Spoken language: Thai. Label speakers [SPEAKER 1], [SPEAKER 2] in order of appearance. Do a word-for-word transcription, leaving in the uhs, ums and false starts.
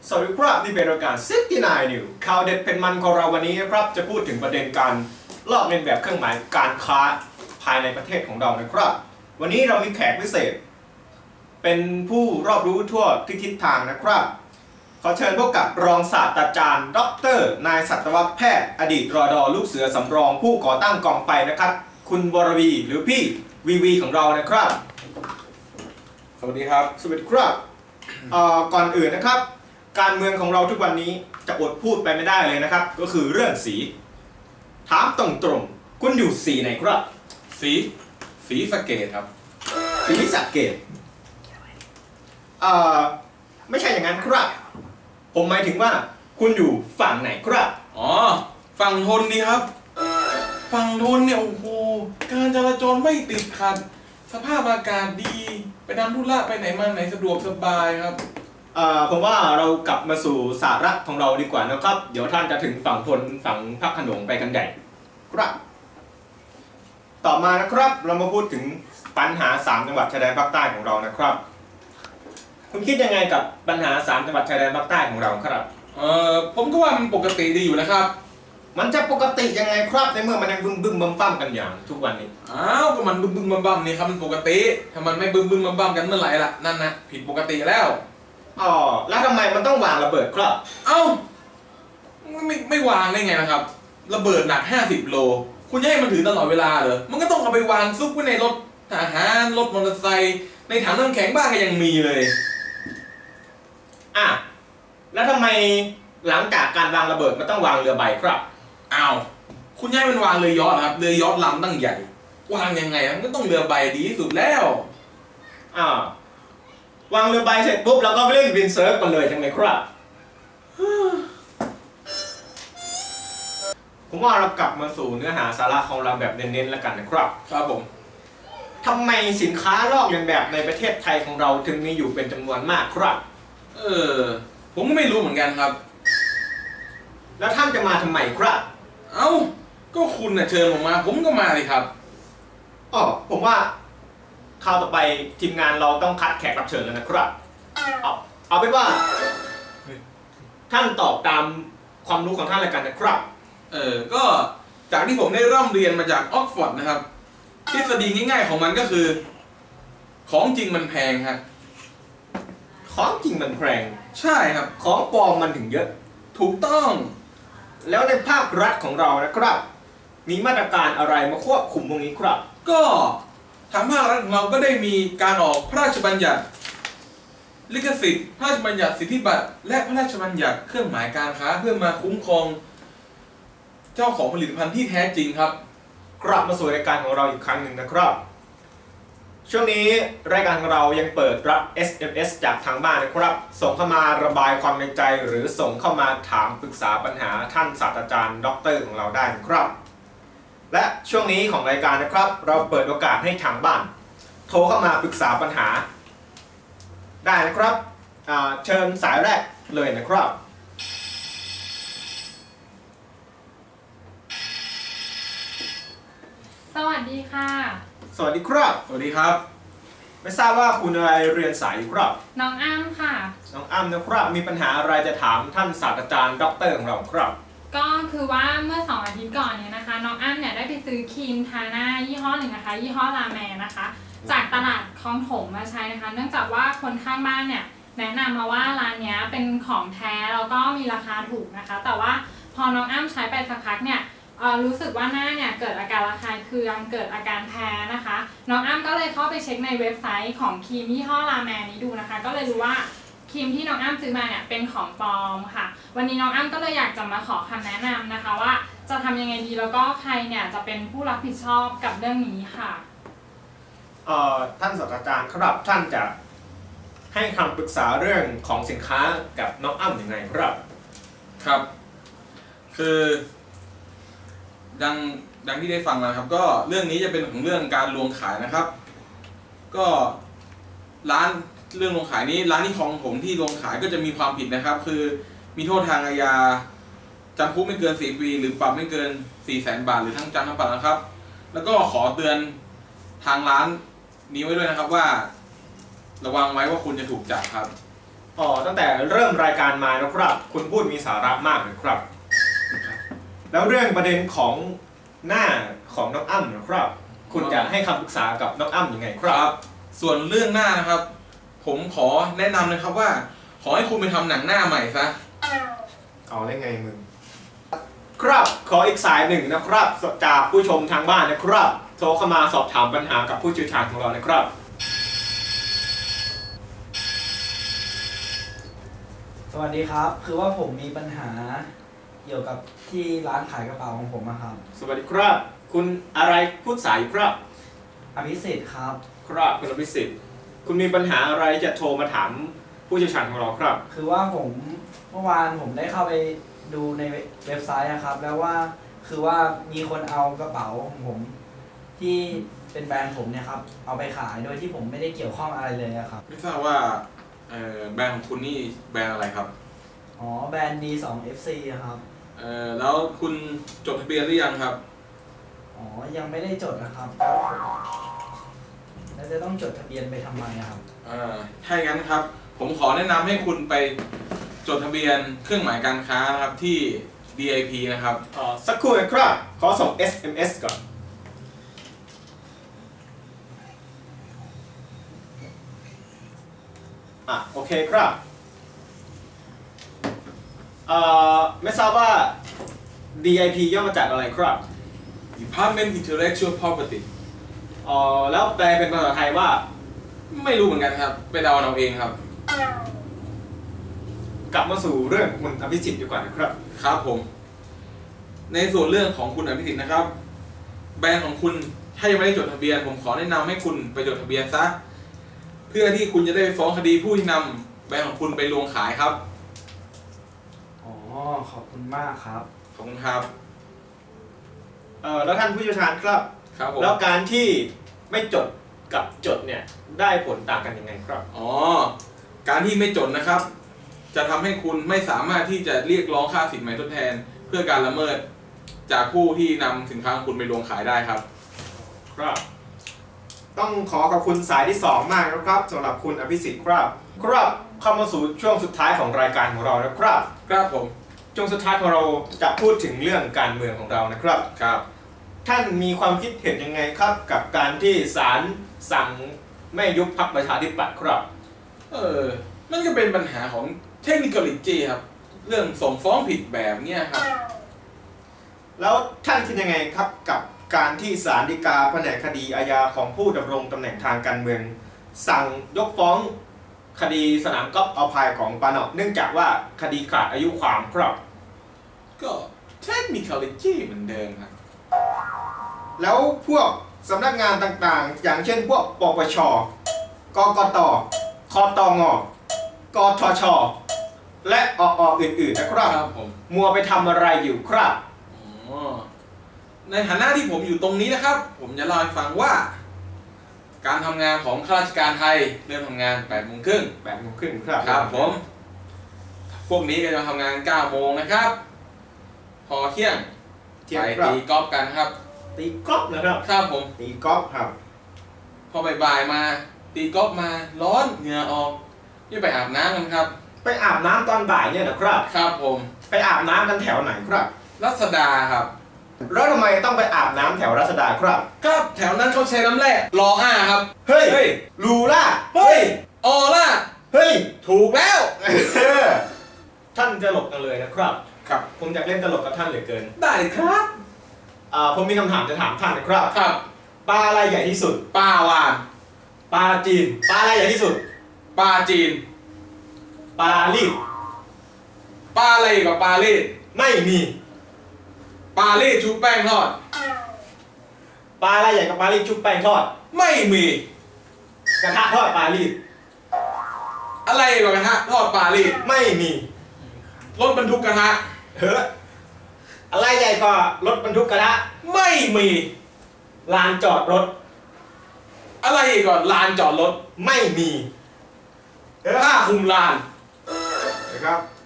[SPEAKER 1] สวัสดีครับนี่เป็นรายการซิกตี้ไนน์นิวข่าวเด็ดเป็นมันของเราวันนี้นะครับจะพูดถึงประเด็นการลอกเลียนแบบเครื่องหมายการค้าภายในประเทศของเรานะครับวันนี้เรามีแขกพิเศษเป็นผู้รอบรู้ทั่วทุกทิศทางนะครับขอเชิญพบกับรองศาสตราจารย์ดรนายสัตวแพทย์อดีตรอดอลูกเสือสำรองผู้ก่อตั้งกองไฟนะครับคุณวรวีหรือพี่วีวีของเรานะครับ
[SPEAKER 2] สวัสดีครับ
[SPEAKER 1] สวัสดีครับก่อนอื่นนะครับการเมืองของเราทุกวันนี้จะอดพูดไปไม่ได้เลยนะครับก็คือเรื่องสีถามตรงๆคุณอยู่สีไหนครับ
[SPEAKER 2] สีสีสะเกดครับ
[SPEAKER 1] สีสะเกดเอ่อไม่ใช่อย่างนั้นครับผมหมายถึงว่าคุณอยู่ฝั่งไหนครับ
[SPEAKER 2] อ๋อฝั่งทนดีครับฝั่งทนเนี่ยโอ้โหการจราจรไม่ติดขัดสภาพอากาศดีไปทำธุระไปไหนมาไหนสะดวกสบายครับ
[SPEAKER 1] ผมว่าเรากลับมาสู่สาระของเราดีกว่านะครับเดี๋ยวท่านจะถึงฝั่งทนฝั่งพระโขนงไปกันใหญ่ครับต่อมานะครับเรามาพูดถึงปัญหาสามจังหวัดชายแดนภาคใต้ของเรานะครับคุณคิดยังไงกับปัญหาสามจังหวัดชายแดนภาคใต้ของเราครับ
[SPEAKER 2] เอ่อผมก็ว่ามันปกติดีอยู่นะครับ
[SPEAKER 1] มันจะปกติยังไงครับในเมื่อมันยังบึ้มบึ้มบัมบัมกันอย่างทุกวันนี้
[SPEAKER 2] อ้าวก็มันบึ้มบึ้มบัมบัมนี่ครับมันปกติถ้ามันไม่บึ้มบึ้มบัมบัมกันเมื่อไหร่ล่ะนั่นนะผิดปกติแล้ว
[SPEAKER 1] อ๋อแล้วทำไมมันต้องวางระเบิดครับ
[SPEAKER 2] เอ้าไม่ไม่วางได้ไงนะครับระเบิดหนักห้าสิบโลคุณจะให้มันถือตลอดเวลาเหรอมันก็ต้องเอาไปวางซุกไว้ในรถทหารรถมอเตอร์ไซค์ในถังน้ำแข็งบ้านก็ยังมีเลย
[SPEAKER 1] อ่ะแล้วทำไมหลังจากการวางระเบิดมันต้องวางเรือใบครับ
[SPEAKER 2] อ้าวคุณให้มันวางเรือยอชต์ครับเรือยอชต์ลำตั้งใหญ่วางยังไงมันก็ต้องเรือใบดีที่สุดแล้ว
[SPEAKER 1] อ่าวางเรือใบเสร็จปุ๊บแล้วก็เล่นวินเซิร์ฟกันเลยใช่ไหมครับผมว่าเรากลับมาสู่เนื้อหาสาระของเราแบบเน้นๆแล้วกันนะครับ
[SPEAKER 2] ครับผม
[SPEAKER 1] ทำไมสินค้าลอกเลียนแบบในประเทศไทยของเราถึงมีอยู่เป็นจำนวนมากครับ
[SPEAKER 2] เออผมก็ไม่รู้เหมือนกันครับ
[SPEAKER 1] แล้วท่านจะมาทำไมครับ
[SPEAKER 2] เอ้าก็คุณน่ะเชิญผมมาผมก็มาเลยครับ
[SPEAKER 1] อ๋อผมว่าคราวต่อไปทีมงานเราต้องคัดแขกรับเชิญแล้วนะครับเอาเอาเป็นว่าท่านตอบตามความรู้ของท่านเลยกันนะครับ
[SPEAKER 2] เออก็จากที่ผมได้ร่ำเรียนมาจากออกฟอร์ดนะครับทฤษฎีง่ายๆของมันก็คือของจริงมันแพงครับ
[SPEAKER 1] ของจริงมันแพง
[SPEAKER 2] ใช่ครับ
[SPEAKER 1] ของปลอมมันถึงเยอะ
[SPEAKER 2] ถูกต้อง
[SPEAKER 1] แล้วในภาครัฐของเรานะครับมีมาตรการอะไรมาควบคุมตรงนี้ครับ
[SPEAKER 2] ก็ทางภาครัฐของเราก็ได้มีการออกพระราชบัญญัติลิขสิทธิ์พระราชบัญญัติสิทธิบัตรและพระราชบัญญัติเครื่องหมายการค้าเพื่อมาคุ้มครองเจ้าของผลิตภัณฑ์ที่แท้จริงครับ
[SPEAKER 1] กลับมาสู่รายการของเราอีกครั้งหนึ่งนะครับช่วงนี้รายการของเรายังเปิดรับ เอส เอ็ม เอส จากทางบ้านนะครับส่งเข้ามาระบายความในใจหรือส่งเข้ามาถามปรึกษาปัญหาท่านศาสตราจารย์ด็อกเตอร์ของเราได้นะครับและช่วงนี้ของรายการนะครับเราเปิดโอกาสให้ทางบ้านโทรเข้ามาปรึกษาปัญหาได้นะครับเชิญสายแรกเลยนะครับ
[SPEAKER 3] สวัสดีค่ะ
[SPEAKER 1] สวัสดีครับ
[SPEAKER 2] สวัสดีครับ
[SPEAKER 1] ไม่ทราบว่าคุณอะไรเรียนสายอยู่ครับ
[SPEAKER 3] น้องอ้ำค่ะ
[SPEAKER 1] น้องอ้ำนะครับมีปัญหาอะไรจะถามท่านศาสตราจารย์ด็อกเตอร์ของเราครับ
[SPEAKER 3] ก็คือว่าเมื่อสองอาทิตย์ก่อนเนี่ยนะคะน้องอ้ำเนี่ยได้ไปซื้อครีมทาหน้ายี่ห้อหนึ่งนะคะยี่ห้อลาแมนะคะจากตลาดคลองถมมาใช้นะคะเนื่องจากว่าคนข้างบ้านเนี่ยแนะนำมาว่าร้านนี้เป็นของแท้แล้วก็มีราคาถูกนะคะแต่ว่าพอน้องอ้ำใช้ไปสักพักเนี่ยรู้สึกว่าหน้าเนี่ยเกิดอาการระคายเคืองเกิดอาการแพ้นะคะน้องอ้ำก็เลยเข้าไปเช็คในเว็บไซต์ของครีมยี่ห้อลาแมนนี้ดูนะคะก็เลยรู้ว่าครีมที่น้องอ้ำซื้อมาเนี่ยเป็นของปลอมค่ะวันนี้น้องอ้ำก็เลยอยากจะมาขอคำแนะนำนะคะว่าจะทำยังไงดีแล้วก็ใครเนี่ยจะเป็นผู้รับผิดชอบกับเรื่องนี้ค่ะ
[SPEAKER 1] เอ่อท่านศาสตราจารย์ครับท่านจะให้คำปรึกษาเรื่องของสินค้ากับน้องอ้ำยังไงครับ
[SPEAKER 2] ครับคือดังดังที่ได้ฟังแล้วครับก็เรื่องนี้จะเป็นของเรื่องการลวงขายนะครับก็ร้านเรื่องลวงขายนี้ร้านที่ของผมที่ลวงขายก็จะมีความผิดนะครับคือมีโทษทางอาญาจำคุกไม่เกินสี่ปีหรือปรับไม่เกิน สี่แสน บาทหรือทั้งจำทั้งปรับนะครับแล้วก็ขอเตือนทางร้านนี้ไว้ด้วยนะครับว่าระวังไว้ว่าคุณจะถูกจับครับ เพ
[SPEAKER 1] อ๋อตั้งแต่เริ่มรายการมานะครับคุณพูดมีสาระมากนะครับ แล้วเรื่องประเด็นของหน้าของน้องอ้ำนะครับคุณจะให้คำปรึกษากับน้องอ้ำยังไงค
[SPEAKER 2] ครับ รับส่วนเรื่องหน้านะครับ ผมขอแนะนำนะครับว่า ขอให้คุณไปทำหนังหน้าใหม่ซะ
[SPEAKER 1] เอาได้ไงมึงครับขออีกสายหนึ่งนะครับจากผู้ชมทางบ้านนะครับโทรเข้ามาสอบถามปัญหากับผู้เชี่ยวชาญของเรานะครับ
[SPEAKER 4] สวัสดีครับคือว่าผมมีปัญหาเกี่ยวกับที่ร้านขายกระเป๋าของผมอะครับ
[SPEAKER 1] สวัสดีครับคุณอะไรพูดสายอยู่ครับ
[SPEAKER 4] อภิสิทธิ์ครับ
[SPEAKER 1] ครับคุณอภิสิทธิ์คุณมีปัญหาอะไรจะโทรมาถามผู้เชี่ยวชาญของเราครับ
[SPEAKER 4] คือว่าผมเมื่อวานผมได้เข้าไปดูในเว็บไซต์นะครับแล้วว่าคือว่ามีคนเอากระเป๋าของผมที่เป็นแบรนด์ผมเนี่ยครับเอาไปขายโดยที่ผมไม่ได้เกี่ยวข้องอะไรเลยครับ
[SPEAKER 2] ไม่ทราบว่าแบรนด์ของคุณนี่แบรนด์อะไรครับ
[SPEAKER 4] อ๋อแบรนด์ ดี ทู เอฟ ซี ครับ
[SPEAKER 2] เอ่อแล้วคุณจดทะเบียนหรือยังครับ
[SPEAKER 4] อ๋อยังไม่ได้จดนะครับแล้วจะต้องจดทะเบียนไปทำไมครับ
[SPEAKER 2] อ่าถ้าอย่างนั้นครับผมขอแนะนำให้คุณไปจดทะเบียนเครื่องหมายการค้านะครับที่ ดี ไอ พี นะครับ
[SPEAKER 1] อ๋อสักครู่นะครับขอส่ง เอส เอ็ม เอส ก่อนอ่ะโอเคครับเอ่อไม่ทราบว่า ดี ไอ พี ย่อมาจากอะไรครับ
[SPEAKER 2] Department Intellectual Property
[SPEAKER 1] อ๋อแล้วแปลเป็นภาษาไทยว่า
[SPEAKER 2] ไม่รู้เหมือนกันครับไปเดาเอาเองครับ
[SPEAKER 1] กลับมาสู่เรื่องคุณอภิสิทธิ์ดีกว่านะครับ
[SPEAKER 2] ครับผมในส่วนเรื่องของคุณอภิสิทธิ์นะครับแบรนด์ของคุณถ้ายังไม่ได้จดทะเบียนผมขอแนะนำให้คุณไปจดทะเบียนซะเพื่อที่คุณจะได้ไปฟ้องคดีผู้ที่นำแบรนด์ของคุณไปลวงขายครับ
[SPEAKER 4] อ๋อขอบคุณมากครับ
[SPEAKER 2] ขอบคุณครับ
[SPEAKER 1] เอ่อแล้วท่านผู้เชี่ยวชาญครับ
[SPEAKER 2] ครับผม
[SPEAKER 1] แล้วการที่ไม่จดกับจดเนี่ยได้ผลต่างกันยังไงครับ
[SPEAKER 2] อ๋อการที่ไม่จดนะครับจะทำให้คุณไม่สามารถที่จะเรียกร้องค่าสินไหมทดแทนเพื่อการละเมิดจากผู้ที่นำสินค้าของคุณไปลวงขายได้ครับ
[SPEAKER 1] ครับต้องขอขอบคุณสายที่สองมากนะครับสำหรับคุณอภิสิทธิ์ครับครับเข้ามาสู่ช่วงสุดท้ายของรายการของเรานะครับ
[SPEAKER 2] ครับผม
[SPEAKER 1] ช่วงสุดท้ายของเราจะพูดถึงเรื่องการเมืองของเรานะครับ
[SPEAKER 2] ครับ
[SPEAKER 1] ท่านมีความคิดเห็นยังไงครับกับการที่ศาลสั่งไม่ยุบพรรคประชาธิปัตย์ครับ
[SPEAKER 2] เออนั่นก็เป็นปัญหาของเทคนิคอลิจีครับเรื่องส่งฟ้องผิดแบบเนี้ยครับ
[SPEAKER 1] แล้วท่านคิดยังไงครับกับการที่ศาลฎีกาแผนกคดีอาญาของผู้ดำรงตำแหน่งทางการเมืองสั่งยกฟ้องคดีสนามกอล์ฟเอาพายของปานอเนื่องจากว่าคดีขาดอายุความครับ
[SPEAKER 2] ก็เทคนิคอลิจีเหมือนเดิมครับ
[SPEAKER 1] แล้วพวกสำนักงานต่างๆอย่างเช่นพวกปปชกกตคตงกทชและอออื่นๆนะครับ
[SPEAKER 2] ผม
[SPEAKER 1] มัวไปทำอะไรอยู่ครับ
[SPEAKER 2] ในฐานะที่ผมอยู่ตรงนี้นะครับผมจะเล่าให้ฟังว่าการทำงานของข้าราชการไทยเริ่มทำงานแปดโมงครึ่ง
[SPEAKER 1] แปดโมงครึ่งครับ
[SPEAKER 2] ครับผมพวกนี้ก็จะทำงานเก้าโมงนะครับพอเที่ยงไปตีกอล์ฟกันครับ
[SPEAKER 1] ตีกอล์ฟนะครับ
[SPEAKER 2] ครับผม
[SPEAKER 1] ตีกอล์ฟครับ
[SPEAKER 2] พอบ่ายๆมาตีกอล์ฟมาร้อนเหงื่อออกนี่ไปอาบน้ำกันครับ
[SPEAKER 1] ไปอาบน้ำตอนบ่ายเนี่ยนะครับ
[SPEAKER 2] ครับผม
[SPEAKER 1] ไปอาบน้ำกันแถวไหนครับ
[SPEAKER 2] รัศดาครับ
[SPEAKER 1] แล้วทำไมต้องไปอาบน้ำแถวรัชดาครับ
[SPEAKER 2] ครับแถวนั้นเขาใช้น้ำแร่รออ้าครับ
[SPEAKER 1] เฮ้ยลูล่า
[SPEAKER 2] เฮ้ยออล่า
[SPEAKER 1] เฮ้ย
[SPEAKER 2] ถูกแล้ว
[SPEAKER 1] ท่านจะหลบกันเลยนะครับ
[SPEAKER 2] ครับ
[SPEAKER 1] ผมอยากเล่นตลกกับท่านเหลือเกิน
[SPEAKER 2] ได้ครับ
[SPEAKER 1] อ่าผมมีคำถามจะถามท่านนะครับ
[SPEAKER 2] ครับ
[SPEAKER 1] ปลาอะไรใหญ่ที่สุด
[SPEAKER 2] ปลาวาฬ
[SPEAKER 1] ปลาจีนปลาอะไรใหญ่ที่สุด
[SPEAKER 2] ปลาจีน
[SPEAKER 1] ปลาลีด
[SPEAKER 2] ปลาอะไรกับปลาลีด
[SPEAKER 1] ไม่มี
[SPEAKER 2] ปลาลีดชุบแป้งทอด
[SPEAKER 1] ปลาอะไรใหญ่กับปลาลีดชุบแป้งทอด
[SPEAKER 2] ไม่มี
[SPEAKER 1] กระทะทอดปลาลีด
[SPEAKER 2] อะไรกับกระทะทอดปลาลีด
[SPEAKER 1] ไม่มี
[SPEAKER 2] รถบรรทุกกระทะ
[SPEAKER 1] เฮ้ออะไรใหญ่กว่ารถบรรทุกกระทะ
[SPEAKER 2] ไม่มี
[SPEAKER 1] ลานจอดรถ
[SPEAKER 2] อะไรก่อนลานจอดรถ
[SPEAKER 1] ไม่มี
[SPEAKER 2] ผ้าคลุมลาน
[SPEAKER 1] นะครับ